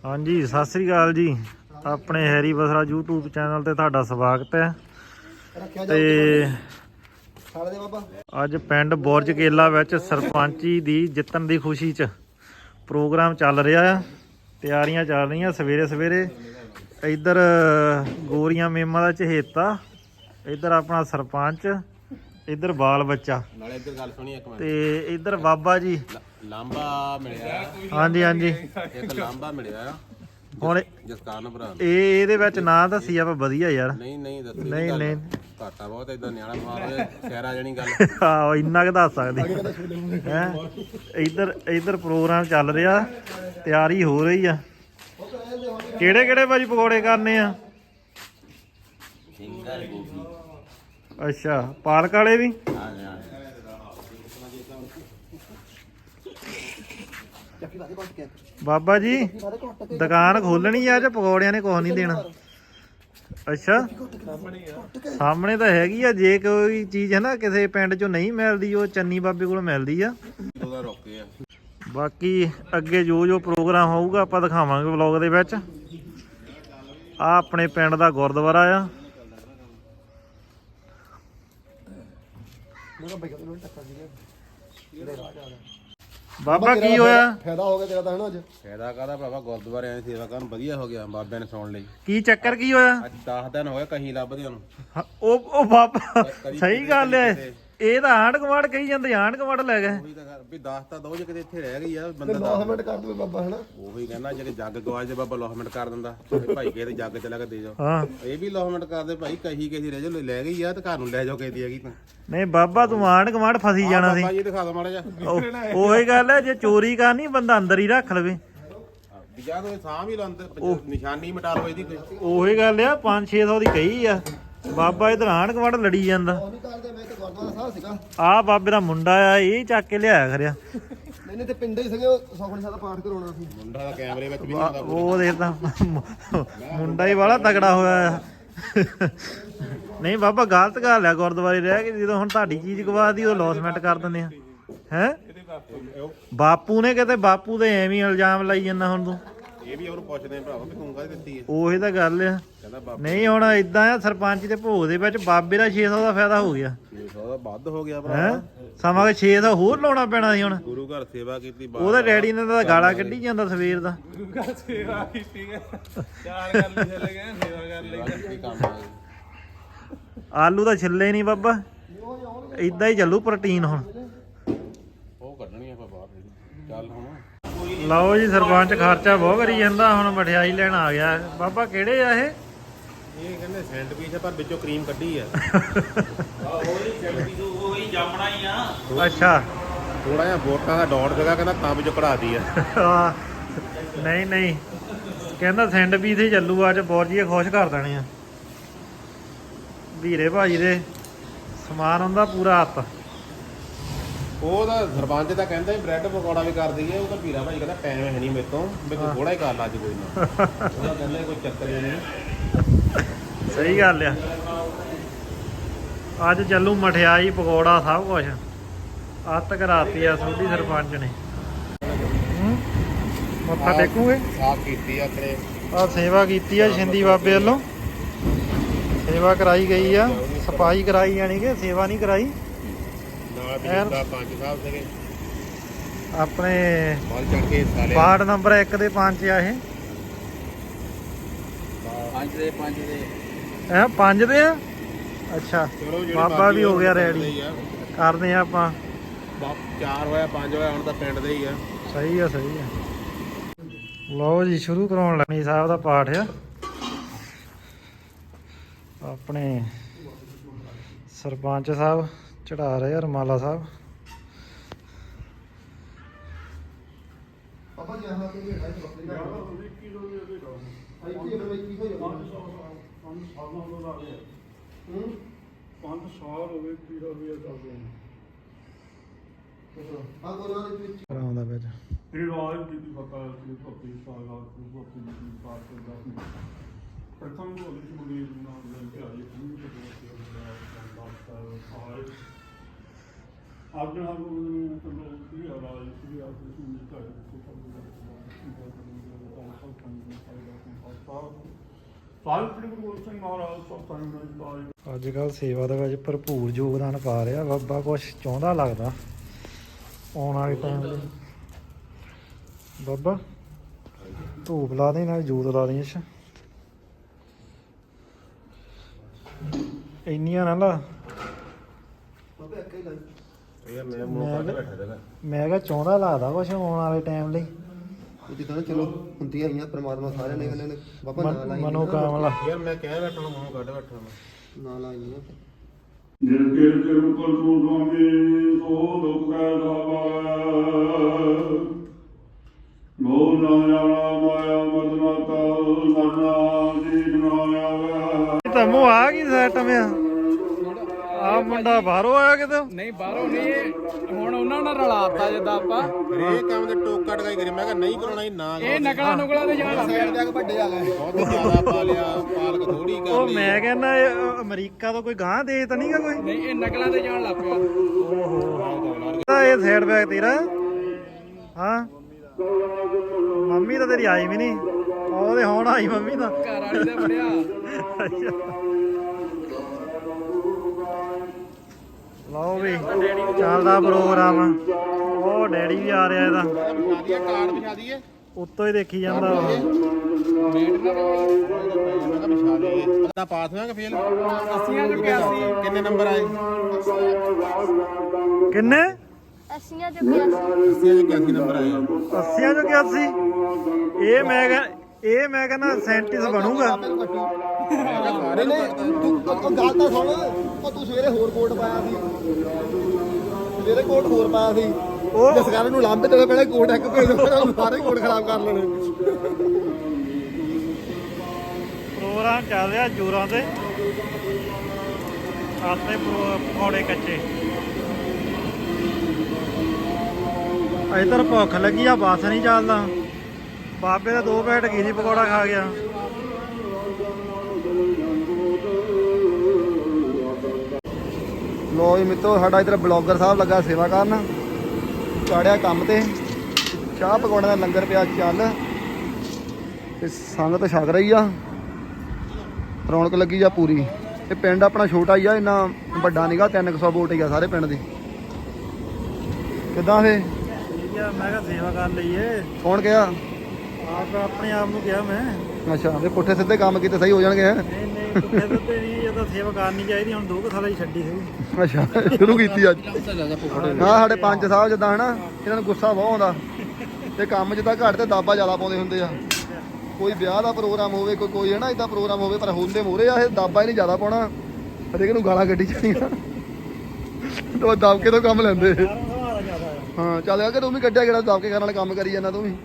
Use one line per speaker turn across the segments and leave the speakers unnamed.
हाँ जी सत श्री अकाल जी। अपने हैरी बसरा यूट्यूब चैनल ते तुहाडा स्वागत है। ते अज पिंड बुरज केला विच सरपंची दी जितन दी खुशी च प्रोग्राम चल रहा है। तैयारियां चल रही सवेरे सवेरे। इधर गोरियां मेमा दा चहेता, इधर अपना सरपंच, इधर बाल बच्चा ते इधर बाबा जी
लांबा मिलिया।
हाँ जी हाँ जी
एक लांबा मिलिया
ਹੁਣ
ਜਸਕਾਰਨ ਭਰਾ
ਇਹਦੇ ਵਿੱਚ ਨਾਂ ਦੱਸੀ ਆਪਾਂ ਵਧੀਆ ਯਾਰ।
ਨਹੀਂ ਨਹੀਂ ਦੱਸੀ
ਨਹੀਂ ਨਹੀਂ
ਘਾਟਾ ਬਹੁਤ ਇਦਾਂ ਨਿਆਣਾ ਮਾਰ ਹੋਇਆ ਸ਼ਹਿਰਾ ਜਣੀ ਗੱਲ।
ਆਹੋ ਇੰਨਾ ਕੁ ਦੱਸ ਸਕਦੇ ਹੈ। ਇੱਧਰ ਪ੍ਰੋਗਰਾਮ ਚੱਲ ਰਿਹਾ, ਤਿਆਰੀ ਹੋ ਰਹੀ ਆ। ਕਿਹੜੇ ਕਿਹੜੇ ਭਾਜੀ ਪਕੌੜੇ ਕਰਨੇ ਆ?
ਸਿੰਗਰ ਗੋਭੀ।
ਅੱਛਾ ਪਾਲਕ ਵਾਲੇ ਵੀ? ਬਾਬਾ ਜੀ ਦੁਕਾਨ ਖੋਲਣੀ ਆ ਜਾਂ ਪਕੌੜਿਆਂ ਨੇ ਕੁਛ ਨਹੀਂ ਦੇਣਾ? ਅੱਛਾ ਸਾਹਮਣੇ ਤਾਂ ਹੈਗੀ ਆ। ਜੇ ਕੋਈ ਚੀਜ਼ ਹੈ ਨਾ ਕਿਸੇ ਪਿੰਡ ਚੋਂ ਨਹੀਂ ਮਿਲਦੀ, ਉਹ ਚੰਨੀ ਬਾਬੇ ਕੋਲ ਮਿਲਦੀ ਆ। ਬਾਕੀ ਅੱਗੇ ਜੋ ਪ੍ਰੋਗਰਾਮ ਹੋਊਗਾ ਆਪਾਂ ਦਿਖਾਵਾਂਗੇ ਵਲੌਗ ਦੇ ਵਿੱਚ। ਆ ਆਪਣੇ ਪਿੰਡ ਦਾ ਗੁਰਦੁਆਰਾ ਆ। ਬਾਬਾ ਕੀ ਹੋਇਆ?
ਫਾਇਦਾ ਹੋ ਗਿਆ ਤੇਰਾ ਤਾਂ ਹਨਾ ਅੱਜ?
ਫਾਇਦਾ ਕਾਹਦਾ ਭਰਾਵਾ, ਗੁਰਦੁਆਰੇ ਆਏ ਸੇਵਾ ਕਰਨ ਵਧੀਆ ਹੋ ਗਿਆ। ਬਾਬਿਆਂ ਨੇ ਸੁਣ ਲਈ।
ਕੀ ਚੱਕਰ ਕੀ ਹੋਇਆ?
ਅੱਜ 10 ਦਿਨ ਹੋ ਗਏ ਕਹੀਂ ਲੱਭਦੇ ਉਹਨੂੰ।
ਉਹ ਬਾਬਾ ਸਹੀ ਗੱਲ ਹੈ। ਇਹ ਤਾਂ ਆਂਢ ਗੁਆਂਢ ਕਹੀ ਜਾਂਦੇ, ਆਂਢ ਗੁਆਂਢ ਲੈ ਗਏ।
ਉਹੀ ਤਾਂ ਵੀ 10 ਤਾਂ ਦੋ ਜੇ ਕਿਤੇ ਇੱਥੇ ਰਹਿ ਗਈ ਆ ਬੰਦਾ।
ਲੋਸਮੈਂਟ ਕਰ ਦਵੇ ਬਾਬਾ ਹਨਾ।
ਉਹੀ ਕਹਿੰਦਾ ਜਿਹੜੇ ਜੱਗ ਗਵਾਜ ਦੇ ਬਾਬਾ ਲੋਸਮੈਂਟ ਕਰ ਦਿੰਦਾ। ਤੇ ਭਾਈ ਕਿਸੇ ਦੇ ਜੱਗ ਚਲਾ ਕੇ ਦੇ ਜਾਓ।
ਹਾਂ
ਇਹ ਵੀ ਲੋਸਮੈਂਟ ਕਰਦੇ ਭਾਈ, ਕਹੀ ਕਿਸੇ ਰਹਿ ਜਾਓ, ਲੈ ਗਈ ਆ ਤੇ ਘਰ ਨੂੰ ਲੈ ਜਾਓ ਕਿਸੇ ਦੀ ਹੈਗੀ ਤਾਂ।
ਨਹੀਂ ਬਾਬਾ ਤੂੰ ਆਂਢ ਗੁਆਂਢ ਫਸੀ ਜਾਣਾ ਸੀ।
ਬਾਬਾ ਜੀ ਦਿਖਾ ਦੋ ਮਾੜਾ ਜਿਹਾ।
ਉਹੀ ਗੱਲ ਹੈ, ਜੇ ਚੋਰੀ ਕਰਨੀ ਬੰਦਾ ਅੰਦਰ ਹੀ ਰੱਖ ਲਵੇ।
ਜਾਂ ਤੋਂ ਸਾਹ ਵੀ ਲੰਦ ਨਿਸ਼ਾਨੀ ਮਿਟਾ ਲਓ ਇਹਦੀ ਕੋਈ।
ਉਹੀ ਗੱਲ ਆ 500-600 ਦੀ ਕਹੀ ਆ। ਬਾਬਾ ਇਧਰ ਆਂਢ ਗੁਆਂਢ ਲੜੀ ਜਾਂਦਾ।
ਉਹ ਨਹੀਂ ਕਰਦੇ, ਮੈਂ ਤਾਂ ਗੁਰਦੁਆਰਾ ਸਾਹਿਬ ਸੀਗਾ।
ਆ ਬਾਬੇ ਦਾ ਮੁੰਡਾ ਆ, ਇਹ ਚੱਕ ਕੇ ਲਿਆਇਆ ਖਰਿਆ।
ਨਹੀਂ ਤੇ ਪਿੰਡੇ ਹੀ ਸੀਗੇ, ਉਹ ਸੁਖਮਨੀ ਸਾਹਿਬ ਦਾ ਪਾਠ ਕਰਾਉਣਾ ਸੀ।
ਮੁੰਡਾ ਦਾ ਕੈਮਰੇ ਵਿੱਚ ਵੀ ਨਹੀਂ ਆਉਂਦਾ।
ਉਹ ਦੇਖਦਾ ਮੁੰਡਾ ਹੀ ਵਾਲਾ ਤਗੜਾ ਹੋਇਆ ਆ। ਨਹੀਂ ਬਾਬਾ ਗਲਤ ਗੱਲ ਆ, ਗੁਰਦੁਆਰੇ ਰਹਿ ਕੇ ਜਦੋਂ ਹੁਣ ਤੁਹਾਡੀ ਚੀਜ਼ ਗਵਾਦੀ ਉਹ ਲੌਸਮੈਂਟ ਕਰ ਦਿੰਦੇ ਆ ਹੈ। ਬਾਪੂ ਨੇ ਕਿਤੇ, ਬਾਪੂ ਦੇ ਐਵੇਂ ਇਲਜ਼ਾਮ ਲਾਈ ਜਾਂਦਾ ਹੁਣ ਤੂੰ।
ਇਹ ਵੀ ਉਹਨੂੰ ਪੁੱਛਦੇ ਭਰਾਵਾ ਕਿ ਤੂੰ ਕਾਹਦੀ ਦਿੱਤੀ ਹੈ।
ਉਹੀ ਤਾਂ ਗੱਲ ਆ।
ਕਹਿੰਦਾ ਬਾਬਾ
ਨਹੀਂ ਹੁਣ ਇਦਾਂ ਆ, ਸਰਪੰਚ ਦੇ ਭੋਗ ਦੇ ਵਿੱਚ ਬਾਬੇ ਦਾ 600 ਦਾ ਫਾਇਦਾ ਹੋ ਗਿਆ
600 ਦਾ ਵੱਧ ਹੋ ਗਿਆ
ਹੈ।
ਭਰਾ।
ਸਮਾਂ 600 ਹੋਰ ਲਾਉਣਾ ਪੈਣਾ ਸੀ ਹੁਣ।
ਗੁਰੂ ਘਰ ਸੇਵਾ ਕੀਤੀ।
ਉਹਦਾ ਡੈਡੀ ਨੇ ਤਾਂ ਗਾਲਾਂ ਕੱਢੀ ਜਾਂਦਾ ਸਵੇਰ ਦਾ।
ਸੇਵਾ ਕੀਤੀ ਹੈ। ਚਾਰ ਕਰ ਲਈ ਚੱਲ ਗਏ ਸੇਵਾ ਕਰ ਲਈ ਕੰਮ ਆ ਗਈ।
ਆਲੂ ਤਾਂ ਛਿੱਲੇ ਨਹੀਂ ਬਾਬਾ, ਇਦਾਂ ਹੀ ਚੱਲੂ ਪ੍ਰੋਟੀਨ ਹੁਣ।
ਉਹ ਕੱਢਣੀ ਆਪਾਂ ਬਾਹਰ। ਚੱਲ ਹੁਣ
ਲਓ ਜੀ ਸਰਪੰਚ ਖਰਚਾ ਬਹੁਤ ਕਰੀ ਜਾਂਦਾ। ਹੁਣ ਮਠਿਆਈ ਲੈਣ ਆ ਗਿਆ ਬਾਬਾ। ਕਿਹੜੇ ਆ ਇਹ?
ਇਹ ਕਹਿੰਦੇ ਸੈਂਡਵਿਚ ਆ ਪਰ ਵਿੱਚੋਂ ਕਰੀਮ ਕੱਢੀ ਆ। ਉਹੀ ਸੈਂਡਵਿਚ ਉਹੀ ਜਾਮਣਾ ਹੀ ਆ।
ਅੱਛਾ
ਥੋੜਾ ਜਿਹਾ ਵੋਟਾਂ ਦਾ ਡਾਟ ਜਗਾ ਕਹਿੰਦਾ ਤਾਂ ਵਿੱਚੋਂ ਕਢਾਤੀ ਆ।
ਨਹੀਂ ਨਹੀਂ ਕਹਿੰਦਾ ਸੈਂਡਵਿਚ ਹੀ ਚੱਲੂ ਅੱਜ। ਬੋਰਜੀਏ ਖੁਸ਼ ਕਰ ਦੇਣੇ ਆ। ਵੀਰੇ ਭਾਜੀ ਦੇ ਸਮਾਨ ਹੁੰਦਾ ਪੂਰਾ ਹੱਥ।
ਉਹ ਤਾਂ ਸਰਪੰਚ ਤਾਂ ਕਹਿੰਦਾ ਹੀ ਬ੍ਰੈਡ ਪਕੌੜਾ ਵੀ ਕਰ ਦਈਏ। ਉਹ ਤਾਂ ਵੀਰਾ ਭਾਈ ਕਹਿੰਦਾ ਟਾਈਮ ਹੈ ਨਹੀਂ ਮੇਰੇ ਤੋਂ, ਵੀ ਤੂੰ ਥੋੜਾ ਹੀ ਕਰ ਲਾ ਅੱਜ ਕੋਈ ਨਾ। ਉਹਦਾ ਕਹਿੰਦਾ ਕੋਈ ਚੱਕਰ ਹੀ ਨਹੀਂ।
ਸਹੀ ਗੱਲ ਆ। ਅੱਜ ਚੱਲੂ ਮਠਿਆਈ ਪਕੌੜਾ ਸਭ ਕੁਛ। ਅੱਤ ਕਰਾਤੀ ਆ ਸੋਢੀ ਸਰਪੰਚ ਨੇ। ਮੱਥਾ ਟੇਕੂਗੇ?
ਸਾਫ ਕੀਤੀ ਆ ਆਪਣੇ।
ਆ ਸੇਵਾ ਕੀਤੀ ਆ ਸ਼ਿੰਦੀ ਬਾਬੇ ਵੱਲੋਂ। ਸੇਵਾ ਕਰਾਈ ਗਈ ਆ, ਸਫਾਈ ਕਰਾਈ ਜਾਣੀ ਕਿ ਸੇਵਾ ਨਹੀਂ ਕਰਾਈ।
ਨਾਲ ਬਜ਼ੁਰਗਾ ਪੰਜ ਸਾਹਿਬ ਸੀਗੇ
ਆਪਣੇ
ਬਾਲ ਚੜ ਕੇ ਸਾਲੇ।
ਵਾਰਡ ਨੰਬਰ 1 ਦੇ ਪੰਜ ਆ ਇਹ।
ਪੰਜ ਦੇ
ਇਹ 5 ਦੇ ਆ। ਅੱਛਾ
ਚਲੋ ਜਿਹੜੇ
ਬਾਬਾ ਵੀ ਹੋ ਗਿਆ ਰੈਡੀ।
ਹੀ ਆ।
ਕਰਦੇ ਆ ਆਪਾਂ।
4 ਹੋਇਆ 5 ਹੋਇਆ, ਹੁਣ ਤਾਂ ਪਿੰਡ ਦੇ ਹੀ ਆ।
ਸਹੀ ਆ ਸਹੀ ਆ। ਲਓ ਜੀ ਸ਼ੁਰੂ ਕਰਾਉਣ ਲੱਗੇ ਸਾਹਿਬ ਦਾ ਪਾਠ ਆ। ਆਪਣੇ ਸਰਪੰਚ ਸਾਹਿਬ ਚੜਾ ਰਹੇ ਆ ਰਮਾਲਾ ਸਾਹਿਬ।
ਬਾਬਾ ਜੀ ਆਹ ਕੋਈ ਹੈ ਬੱਕਰੀ ਦਾ 20 ਕਿਲੋ ਦੀ ਉਹਦੇ ਦਾ ਆਈ ਕੀ ਹੈ 21 ਹੋ ਜਾਂਦਾ। 5 ਸਾਲਾਂ ਤੋਂ ਲਾ ਗਿਆ। 5 ਸਾਲ ਹੋ ਗਏ ਕੀ ਹੋ ਗਿਆ ਚੱਲਦੇ ਨੇ। ਆ ਕੋਨਾ ਦੇ ਵਿੱਚ
ਕਰਾਉਂਦਾ ਵਿੱਚ
ਇਹ ਰਾਜ ਦੀ ਫਤਾ ਸੀ ਭਗਤੀ ਸਾਲਾ ਭਗਤੀ ਦੀ ਪਾਸ ਕਰਦਾ। ਪ੍ਰਥਮ ਨੂੰ ਅਲੀ ਮੁਨੀਰ ਨਾਮ ਲੈ ਕੇ ਆਏ ਗੁਰੂ ਦੇ ਅੱਜ ਹਮ ਨੂੰ ਤੋਂ ਲੋਕ ਕੀ ਰਾਜ ਸੀ ਆਪ ਨੂੰ ਘਰ ਤੋਂ ਕੰਮ ਕਰਦਾ। ਸਾਹਿਬ ਸ੍ਰੀ ਗੁਰੂ ਗੋਬਿੰਦ ਸਿੰਘ ਮਹਾਰਾਜ ਸਤਿ ਸ੍ਰੀ
ਅੱਜ ਕੱਲ ਸੇਵਾ ਦੇ ਵਿੱਚ ਭਰਪੂਰ ਯੋਗਦਾਨ ਪਾ ਰਿਹਾ ਬਾਬਾ। ਕੁਛ ਚਾਹੁੰਦਾ ਲੱਗਦਾ ਆਉਣ ਵਾਲੇ ਟਾਈਮ ਲਈ। ਬਾਬਾ ਧੂਪ ਲਾ ਦੇ ਨਾਲ ਜੋਤ ਲਾ ਦੇ। ਅੱਛਾ ਇੰਨੀਆਂ ਨਾ ਲਾ।
ਯਾਰ ਮੈਂ ਮੂੰਹ ਕੱਢ ਬੈਠਾ ਦੇਗਾ।
ਮੈਂ ਕਿਹਾ ਚਾਹੁੰਦਾ ਲੱਗਦਾ ਕੁਛ ਆਉਣ ਵਾਲੇ ਟਾਈਮ ਲਈ।
ਜਿੱਦਾਂ ਚਲੋ ਹੁੰਦੀਆਂ ਆਈਆਂ ਪ੍ਰਮਾਤਮਾ ਸਾਰਿਆਂ ਨੇ ਕਹਿੰਦੇ ਨੇ ਬਾਬਾ ਨਾ ਲਾਈ
ਮਨੋਕਾਮਨਾ।
ਯਾਰ ਮੈਂ ਕਹਿ ਬੈਠਾ ਮੂੰਹ ਕੱਢ ਬੈਠਾ
ਨਾ ਲਾਈਆਂ
ਜਿਨ ਕੇ ਤੇਰੂ ਕਲੂ ਸੁਆਮੀ ਸੋ ਦੁਖ ਕੈ ਦਾਵਾ ਮੋਹ ਨਾ ਜਾਣਾ ਮਾਇਆ ਮਦਨਾਤਾ ਮਰਨਾ ਜੀਤ ਨਾ ਆਵੇ।
ਤਮੋ ਆ ਗਈ ਸੈਟ ਮਿਆ ਆ ਮੁੰਡਾ ਬਾਹਰੋਂ ਆਇਆ ਕਿਤੇ।
ਨਹੀਂ ਬਾਹਰੋਂ ਨਹੀਂ ਇਹ ਹੁਣ ਉਹਨਾਂ ਨਾਲ ਰਲਾਤਾ ਜਿੱਦਾਂ ਆਪਾਂ
ਇਹ ਕੰਮ ਦੇ ਟੋਕਾ ਟਕਾਈ ਕਰੀ। ਮੈਂ ਕਿਹਾ ਨਹੀਂ ਕਰਾਉਣਾ ਹੀ ਨਾ
ਇਹ ਨਕਲਾਂ ਨੁਕਲਾਂ ਦੇ ਜਾਣ ਲੱਗ ਪਿਆ।
ਵੱਡੇ ਆ ਗਏ
ਬਹੁਤ ਜ਼ਿਆਦਾ ਪਾ ਲਿਆ। ਪਾਲਕ ਥੋੜੀ ਕਰ
ਉਹ
ਲਈ।
ਮੈਂ ਕਹਿੰਦਾ ਇਹ ਅਮਰੀਕਾ ਤੋਂ ਕੋਈ ਗਾਂ ਦੇ ਤਾਂ ਨਹੀਂਗਾ ਕੋਈ।
ਨਹੀਂ ਇਹ ਨਕਲਾਂ ਤੇ ਜਾਣ ਲੱਗ ਪਿਆ।
ਇਹ ਸਾਈਡ ਬੈਗ ਤੇਰਾ। ਹਾਂ ਮੰਮੀ ਤਾਂ ਤੇਰੀ ਆਈ ਵੀ ਨਹੀਂ। ਉਹਦੇ ਹੁਣ ਆਈ ਮੰਮੀ ਤਾਂ।
ਘਰ ਵਾਲੀ ਦਾ ਫੜਿਆ।
ਲਓ ਵੀ ਚੱਲਦਾ ਪ੍ਰੋਗਰਾਮ। ਉਹ ਡੈਡੀ ਵੀ ਆ ਰਿਹਾ ਇਹਦਾ।
ਵਿਛਾ ਦਈਏ ਕਾਰਡ ਵਿਛਾ ਦਈਏ।
ਉੱਤੋਂ ਹੀ ਦੇਖੀ ਜਾਂਦਾ ਵਾ।
ਮੈਂ ਕਿਹਾ ਵਿਛਾ ਦਈਏ। ਤਾਂ ਪਾਸ ਹੋਇਆਗਾ ਫੇਲ।
80 ਚੋਂ 81।
ਕਿੰਨੇ ਨੰਬਰ ਆਏ?
ਕਿੰਨੇ?
80 ਚੋਂ 81।
81 ਨੰਬਰ ਆਏ।
80 ਚੋਂ 81। ਇਹ ਮੈਂ ਕਹਿੰਦਾ ਸਾਇੰਟਿਸਟ ਬਣੂਗਾ।
ਨਹੀਂ ਨਹੀਂ ਤੂੰ ਉਹ ਗੱਲ ਤਾਂ ਸੁਣ। ਉਹ ਤੂੰ ਸਵੇਰੇ ਹੋਰ ਕੋਟ ਪਾਇਆ ਸੀ। ਸਵੇਰੇ ਕੋਟ ਹੋਰ ਪਾਇਆ ਸੀ।
ਉਹ
ਜਸਕਰਨ ਨੂੰ ਲਾਂਬੇ ਤੇ ਪਹਿਲੇ ਕੋਟ ਇੱਕ ਭੇਜ ਦੋ ਸਾਰੇ ਕੋਟ ਖਰਾਬ ਕਰ ਲੈਣੇ।
ਪ੍ਰੋਗਰਾਮ ਚੱਲ ਰਿਹਾ ਜੋਰਾਂ ਤੇ। ਆਤੇ ਪਕੌੜੇ ਕੱਚੇ। ਇਧਰ ਭੁੱਖ ਲੱਗੀ ਆ ਬੱਸ ਨਹੀਂ ਚੱਲਦਾ। ਬਾਬੇ ਦਾ 2 ਪੈਕਟ ਕੀ ਸੀ ਪਕੌੜਾ ਖਾ ਗਿਆ।
ਲੋ ਜੀ ਮਿੱਤਰੋ ਸਾਡਾ ਇੱਧਰ ਬਲੌਗਰ ਸਾਹਿਬ ਲੱਗਾ ਸੇਵਾ ਕਰਨ। ਚਾੜਿਆ ਕੰਮ ਤੇ ਚਾਹ ਪਕੌੜਿਆਂ ਦਾ ਲੰਗਰ ਪਿਆ ਚੱਲ ਤੇ ਸੰਗਤ ਛਕ ਰਹੀ ਆ। ਰੌਣਕ ਲੱਗੀ ਆ ਪੂਰੀ। ਇਹ ਪਿੰਡ ਆਪਣਾ ਛੋਟਾ ਹੀ ਆ ਇੰਨਾ ਵੱਡਾ ਨੀਗਾ। 300 ਵੋਟ ਹੀ ਆ ਸਾਰੇ ਪਿੰਡ ਦੀ। ਕਿੱਦਾਂ ਫੇ
ਠੀਕ ਆ ਮੈਂ ਕਿਹਾ ਸੇਵਾ ਕਰ ਲਈਏ।
ਕੌਣ ਗਿਆ?
ਆਪ ਆਪਣੇ ਆਪ ਨੂੰ ਕਿਹਾ ਮੈਂ।
ਅੱਛਾ ਵੀ ਪੁੱਠੇ ਸਿੱਧੇ ਕੰਮ ਕੀਤੇ ਸਹੀ ਹੋ ਜਾਣਗੇ ਹੈਂ?
ਨਹੀਂ ਨਹੀਂ ਪੁੱਠੇ ਸੁੱਤੇ ਨਹੀਂ। ਇਹ ਤਾਂ ਸੇਵਾ ਕਰਨੀ ਚਾਹੀਦੀ। ਹੁਣ 2 ਸਾਲਾਂ ਹੀ ਛੱਡੀ ਸੀ।
ਅੱਛਾ ਸ਼ੁਰੂ ਕੀਤੀ ਅੱਜ। ਹਾਂ ਸਾਡੇ ਪੰਜ ਸਾਹਿਬ ਜਿੱਦਾਂ ਹਨਾ ਇਹਨਾਂ ਨੂੰ ਗੁੱਸਾ ਬਹੁਤ ਆਉਂਦਾ ਤੇ ਕੰਮ ਜਿੱਦਾਂ ਘੱਟ ਤੇ ਦਾਬਾ ਜ਼ਿਆਦਾ ਪਾਉਂਦੇ ਹੁੰਦੇ ਆ। ਕੋਈ ਵਿਆਹ ਦਾ ਪ੍ਰੋਗਰਾਮ ਹੋਵੇ ਕੋਈ ਹਨਾ ਇਦਾਂ ਪ੍ਰੋਗਰਾਮ ਹੋਵੇ ਪਰ ਹੁੰਦੇ ਮੋਰੇ ਆ ਇਹ ਦਾਬਾ ਹੀ ਨਹੀਂ ਜ਼ਿਆਦਾ ਪਾਉਣਾ। ਹਰੇਕ ਨੂੰ ਗਾਲਾਂ ਕੱਢੀ ਜਾਣੀਆਂ ਤੇ ਦਬਕੇ ਤੋਂ ਕੰਮ ਲੈਂਦੇ। ਹਾਂ ਚੱਲ ਆ ਕਿ ਤੂੰ ਵੀ ਕੱਢਿਆ ਕਿਹੜਾ ਦਬਕੇ ਕਰਨ ਵਾਲਾ ਕੰਮ ਕਰੀ ਜਾਂਦਾ ਤੂੰ ਵੀ।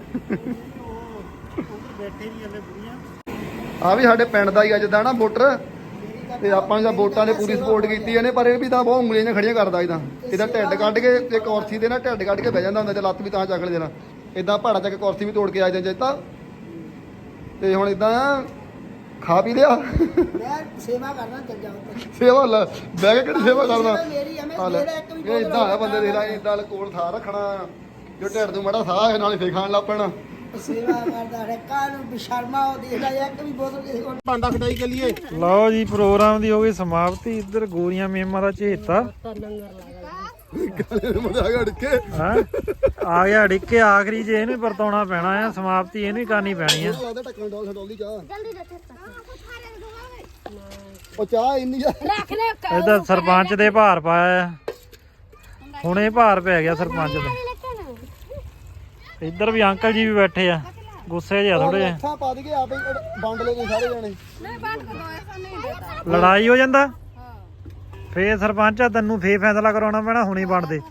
ਬੈਠੇ ਨਹੀਂ ਹਲੇ ਬੁੜੀਆਂ।
ਆ ਵੀ ਸਾਡੇ ਪਿੰਡ ਦਾ ਹੀ ਆ ਜਿੱਦਾਂ ਨਾ ਵੋਟਰ ਤੇ ਆਪਾਂ ਨੂੰ ਤਾਂ ਵੋਟਾਂ ਨੇ ਪੂਰੀ ਸਪੋਰਟ ਕੀਤੀ ਇਹਨੇ। ਪਰ ਇਹ ਵੀ ਤਾਂ ਬਹੁਤ ਉਂਗਲੀਆਂ ਖੜੀਆਂ ਕਰਦਾ ਇਹਦਾ ਢਿੱਡ ਕੱਢ ਕੇ ਤੇ ਕੁਰਸੀ ਦੇ ਨਾਲ ਢਿੱਡ ਕੱਢ ਕੇ ਬਹਿ ਜਾਂਦਾ ਹੁੰਦਾ ਤੇ ਲੱਤ ਵੀ ਤਾਂ ਚੱਕ ਲੈ ਦੇਣਾ। ਇਦਾਂ ਪਹਾੜਾ ਚੱਕ ਕੁਰਸੀ ਵੀ ਤੋੜ ਕੇ ਆ ਜਾਂਦਾ ਤਾਂ। ਤੇ ਹੁਣ ਇਦਾਂ ਖਾ ਪੀ ਲਿਆ।
ਮੈਂ ਸੇਵਾ ਕਰਨਾ ਚੱਲ ਜਾਵਾਂ।
ਸੇਵਾ ਲੈ ਬਹਿ ਕੇ ਕਿਹੜੀ ਸੇਵਾ ਕਰਦਾ।
ਮੇਰੀ ਆ, ਮੈਂ
ਆ ਲੈ
ਮੇਰਾ ਇੱਕ ਵੀ
ਇਹ ਇਦਾਂ ਆ ਬੰਦੇ ਦੇ ਨਾਲ ਇਦਾਂ ਕੋਲ ਥਾਂ ਰੱਖਣਾ ਜੋ ਢਿੱਡ ਨੂੰ ਮੜਾ ਸਾਹ ਨਾਲ ਫੇਰ ਖਾਣ ਲੱਗ ਪੈਣਾ।
ਸੇਵਾ ਕਰਦਾ ਰੱਖਾ ਨੂੰ ਬਿਸ਼ਰਮਾ ਉਹ ਦੇਖਦਾ ਇੱਕ ਵੀ ਬੋਤਲ ਕਿਸੇ ਕੋਲ
ਭਾਂਡਾ ਖਟਾਈ ਚੱਲੀਏ।
ਲਓ ਜੀ ਪ੍ਰੋਗਰਾਮ ਦੀ ਹੋ ਗਈ ਸਮਾਪਤੀ। ਇੱਧਰ ਗੋਰੀਆਂ ਮੇਮਾਂ ਦਾ ਝੇਤਾ
ਕਾਲੇ ਦੇ ਮੁੰਡੇ ਆ ਗਏ ਕੇ
ਹਾਂ ਆ ਗਿਆ ਡਿੱਕੇ। ਆਖਰੀ ਜੇ ਇਹਨੂੰ ਵਰਤਾਉਣਾ ਪੈਣਾ ਆ। ਸਮਾਪਤੀ ਇਹਨੂੰ ਹੀ ਕਰਨੀ ਪੈਣੀ ਆ।
ਲੱਗਦਾ ਢੱਕਣ ਡੋਲ ਛਡੋਲ ਦੀ ਚਾਹ।
ਜਲਦੀ ਰੱਖ।
ਉਹ ਚਾਹ ਇੰਨੀ ਆ
ਰੱਖ ਲੈ।
ਇਹਦਾ ਸਰਪੰਚ ਦੇ ਭਾਰ ਪਾਇਆ ਆ। ਹੁਣੇ ਭਾਰ ਪੈ ਗਿਆ ਸਰਪੰਚ ਦੇ। ਇੱਧਰ ਵੀ ਅੰਕਲ ਜੀ ਵੀ ਬੈਠੇ ਆ। ਗੁੱਸੇ ਜਿਹਾ ਥੋੜੇ ਜਿਹੇ।
ਅੱਖਾਂ ਪਾ ਦਈਏ ਆਪੇ ਵੰਡ ਲਓ ਤੁਸੀਂ ਸਾਰੇ ਜਾਣੇ।
ਨਹੀਂ ਬੰਦ ਕਰੋ ਐਸਾ ਨਹੀਂ ਦੇਤਾ।
ਲੜਾਈ ਹੋ ਜਾਂਦਾ ਫੇਰ ਸਰਪੰਚ ਆ ਤੈਨੂੰ ਫੇਰ ਫੈਸਲਾ ਕਰਾਉਣਾ ਪੈਣਾ। ਹੁਣੇ ਬਣਦੇ।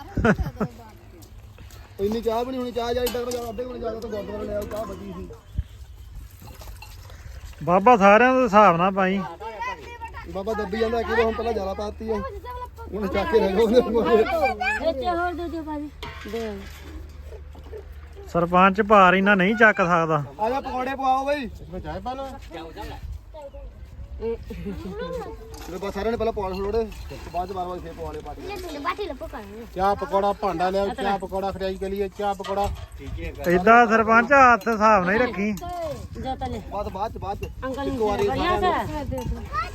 ਇੰਨੀ ਚਾਹ ਵੀ ਨਹੀਂ ਹੋਣੀ। ਚਾਹ ਜਾ ਇੱਦਾਂ ਅੱਧੇ ਕੋਲ ਜਾ ਕੇ ਤਾਂ ਗੁਰਦੁਆਰੇ ਲੈ ਆਓ। ਚਾਹ ਬਚੀ ਸੀ
ਬਾਬਾ ਸਾਰਿਆਂ ਦੇ ਹਿਸਾਬ ਨਾਲ ਪਾਈ।
ਬਾਬਾ ਦੱਬੀ ਜਾਂਦਾ ਕਿ ਹੁਣ ਪਹਿਲਾਂ ਜ਼ਿਆਦਾ ਪਾਤੀ ਆ ਹੁਣ ਚੱਕ ਕੇ ਲੈ ਜਾਓ ਉਹਦੇ ਕੋਲ।
ਇੱਥੇ ਹੋਰ ਦੇ ਦਿਓ ਭਾਜੀ। ਦੇ
ਸਰਪੰਚ ਭਾਰ ਇਹਨਾਂ ਨਹੀਂ ਚੱਕ ਸਕਦਾ।
ਆ ਜਾ ਪਕੌੜੇ ਪਵਾਓ ਬਈ।
ਮੈਂ ਚਾਹ ਪਾ ਲਓ।
ਤੇ ਬਸ ਸਾਰਿਆਂ ਨੇ ਪਹਿਲਾਂ ਪੌੜ ਛੋੜੇ ਬਾਅਦ ਚ ਬਾਰ-ਬਾਰ ਫੇਰ ਪਵਾ ਲਿਓ ਪਾਰਟੀ।
ਲੈ ਬਾਟੀ ਲੱਪੋ ਕਰ।
ਚਾਹ ਪਕੌੜਾ ਭਾਂਡਾ ਲਿਆਓ। ਚਾਹ ਪਕੌੜਾ ਖਟਾਈ ਚੱਲੀਏ। ਚਾਹ ਪਕੌੜਾ
ਏਦਾਂ ਸਰਪੰਚ ਹੱਥ ਹਿਸਾਬ ਨਾਲ ਹੀ ਰੱਖੀ।
ਜਾ ਤਲੇ
ਬਾਅਦ ਚ
ਅੰਕਲ
ਇੱਕ
ਨੂੰ
ਵਾਰੀ
बढ़िया
ਸਾਰਿਆਂ ਨੂੰ
से